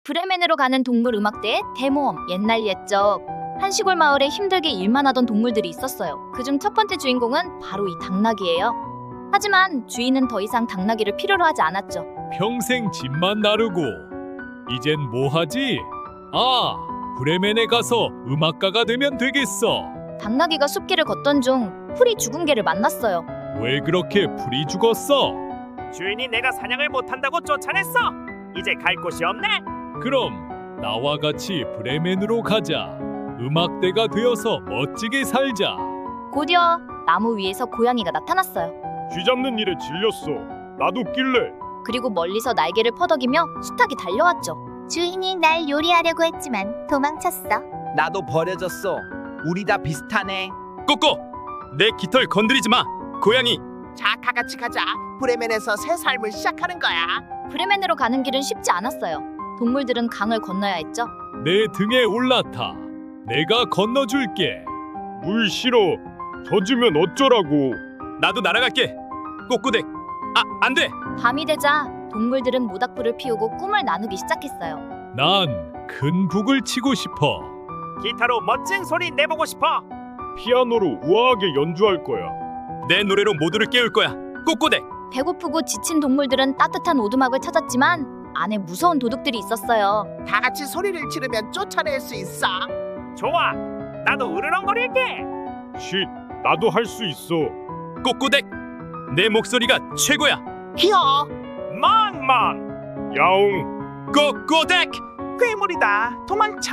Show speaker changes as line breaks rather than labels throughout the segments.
브레멘으로 가는 동물 음악대의 대모험. 옛날 옛적 한 시골 마을에 힘들게 일만 하던 동물들이 있었어요. 그중 첫 번째 주인공은 바로 이 당나귀예요. 하지만 주인은 더 이상 당나귀를 필요로 하지 않았죠.
평생 집만 나르고 이젠 뭐하지? 브레멘에 가서 음악가가 되면 되겠어.
당나귀가 숲길을 걷던 중 풀이 죽은 개를 만났어요.
왜 그렇게 풀이 죽었어?
주인이 내가 사냥을 못한다고 쫓아냈어. 이제 갈 곳이 없네.
그럼 나와 같이 브레멘으로 가자. 음악대가 되어서 멋지게 살자.
곧이어 나무 위에서 고양이가 나타났어요.
쥐 잡는 일에 질렸어. 나도 낄래.
그리고 멀리서 날개를 퍼덕이며 숱하게 달려왔죠.
주인이 날 요리하려고 했지만 도망쳤어.
나도 버려졌어. 우리 다 비슷하네.
꼬꼬, 내 깃털 건드리지 마. 고양이.
자, 다 같이 가자. 브레멘에서 새 삶을 시작하는 거야.
브레멘으로 가는 길은 쉽지 않았어요. 동물들은 강을 건너야 했죠.
내 등에 올라타. 내가 건너줄게.
물 싫어. 젖으면 어쩌라고.
나도 날아갈게. 꼬꼬댁. 안 돼.
밤이 되자 동물들은 모닥불을 피우고 꿈을 나누기 시작했어요.
난 큰 북을 치고 싶어.
기타로 멋진 소리 내보고 싶어.
피아노로 우아하게 연주할 거야.
내 노래로 모두를 깨울 거야. 꼬꼬댁.
배고프고 지친 동물들은 따뜻한 오두막을 찾았지만 안에 무서운 도둑들이 있었어요.
다 같이 소리를 지르면 쫓아낼 수 있어.
좋아. 나도 으르렁거릴게.
쉿. 나도 할 수 있어.
꼬꼬댁. 내 목소리가 최고야.
히어,
멍멍.
야옹.
꼬꼬댁.
괴물이다. 도망쳐.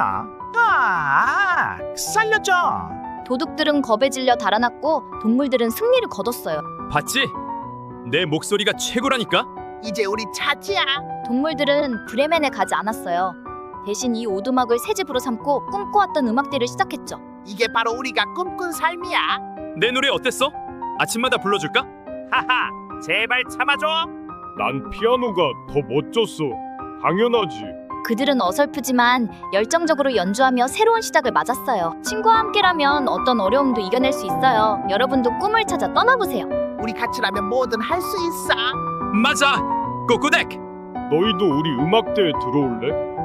살려줘.
도둑들은 겁에 질려 달아났고 동물들은 승리를 거뒀어요.
봤지? 내 목소리가 최고라니까.
이제 우리 차지야.
동물들은 브레멘에 가지 않았어요. 대신 이 오두막을 새 집으로 삼고 꿈꿔왔던 음악대를 시작했죠.
이게 바로 우리가 꿈꾼 삶이야.
내 노래 어땠어? 아침마다 불러줄까? 하하. 제발 참아줘.
난 피아노가 더 멋졌어. 당연하지.
그들은 어설프지만 열정적으로 연주하며 새로운 시작을 맞았어요. 친구와 함께라면 어떤 어려움도 이겨낼 수 있어요. 여러분도 꿈을 찾아 떠나보세요.
우리 같이라면 뭐든 할 수 있어.
맞아. 꼬꼬댁.
너희도 우리 음악대에 들어올래?